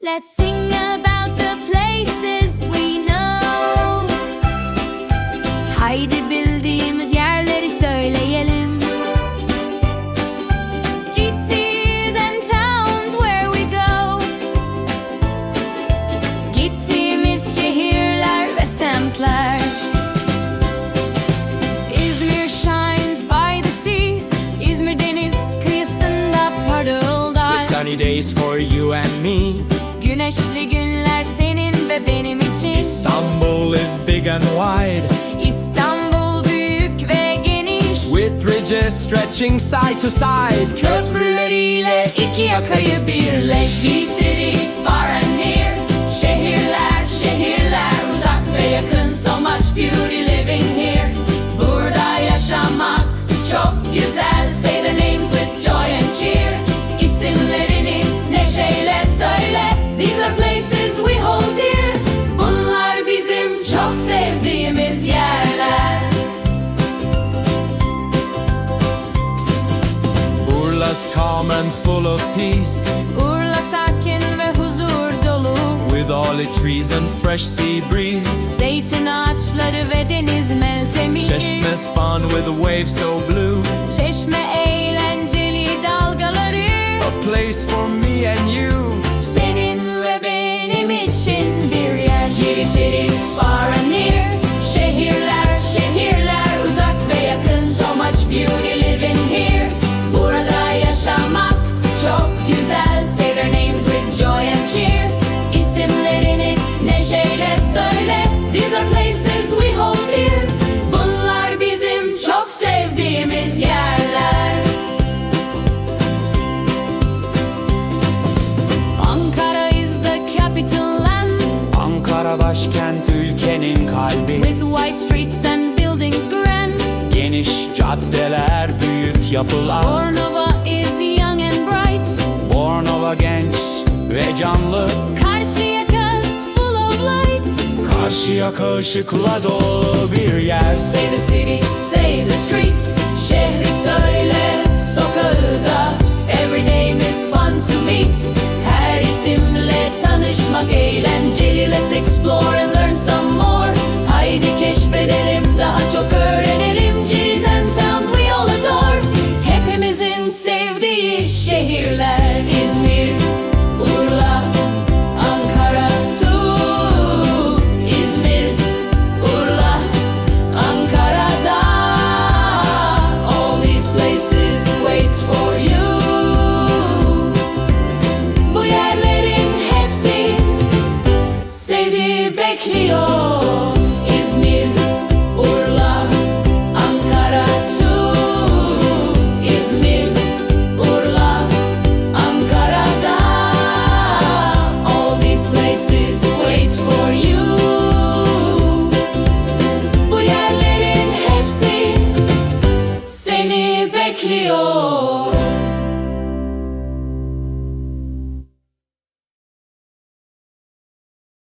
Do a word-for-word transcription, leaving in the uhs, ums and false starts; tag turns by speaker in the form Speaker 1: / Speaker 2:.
Speaker 1: Let's sing about the places we know. Haydi bildiğimiz yerleri söyleyelim. Cities and towns where we go. Gittiğimiz şehirler ve semtler. İzmir shines by the sea. İzmir deniz kıyısında parıldar.
Speaker 2: With sunny days for you and me.
Speaker 1: Güneşli günler senin ve benim için.
Speaker 2: Istanbul is big and wide,
Speaker 1: İstanbul büyük ve geniş.
Speaker 2: with ridges stretching side to side.
Speaker 1: Köprüleriyle iki yakayı birleş. Cities far and near. Şehirler, şehirler uzak ve yakın. So much beauty living here. Burada yaşamak çok güzel. Say the names with joy and cheer. İsimlerini neşeyle söyle. These are places we hold dear. Bunlar bizim çok sevdiğimiz yerler.
Speaker 2: Urla's calm and full of peace,
Speaker 1: Urla sakin ve huzur dolu.
Speaker 2: with all its trees and fresh sea breeze.
Speaker 1: Zeytin ağaçları ve deniz meltemi.
Speaker 2: Çeşme's fun with the waves so blue.
Speaker 1: Çeşme eğlenceli dalgaları.
Speaker 2: A place for me and you.
Speaker 1: Senin ve benim için bir yer. Cities far and near. Şehirler, şehirler uzak ve yakın. So much beauty living here. Burada yaşamak çok güzel. Say their names with joy and cheer. İsimlerini neşeyle söyle. These are places we hold dear. Bunlar bizim çok sevdiğimiz yerler. Ankara is the capital land.
Speaker 2: Ankara başkent, ülkenin kalbi.
Speaker 1: With white streets and buildings grand.
Speaker 2: Geniş caddeler, büyük yapılar.
Speaker 1: Bornova is young and bright.
Speaker 2: Bornova genç ve canlı.
Speaker 1: Karşıyaka's full of light.
Speaker 2: Karşıyaka ışıkla dolu bir yer.
Speaker 1: Say the city, say the street. Şehri söyle, sokağı da. Every name is fun to meet. Her isimle tanışmak eğlenceli. Let's explore and learn some more. Haydi keşfedelim, daha çok öğrenelim. Cities and towns we all adore. Hepimizin sevdiği şehirler. İzmir, Urla, Ankara too. İzmir, Urla, Ankara'da. All these places wait for you. Bu yerlerin hepsi seni bekliyor. İzmir, Urla, Ankara too. İzmir, Urla, Ankara'da. All these places wait for you. Bu yerlerin hepsi seni bekliyor.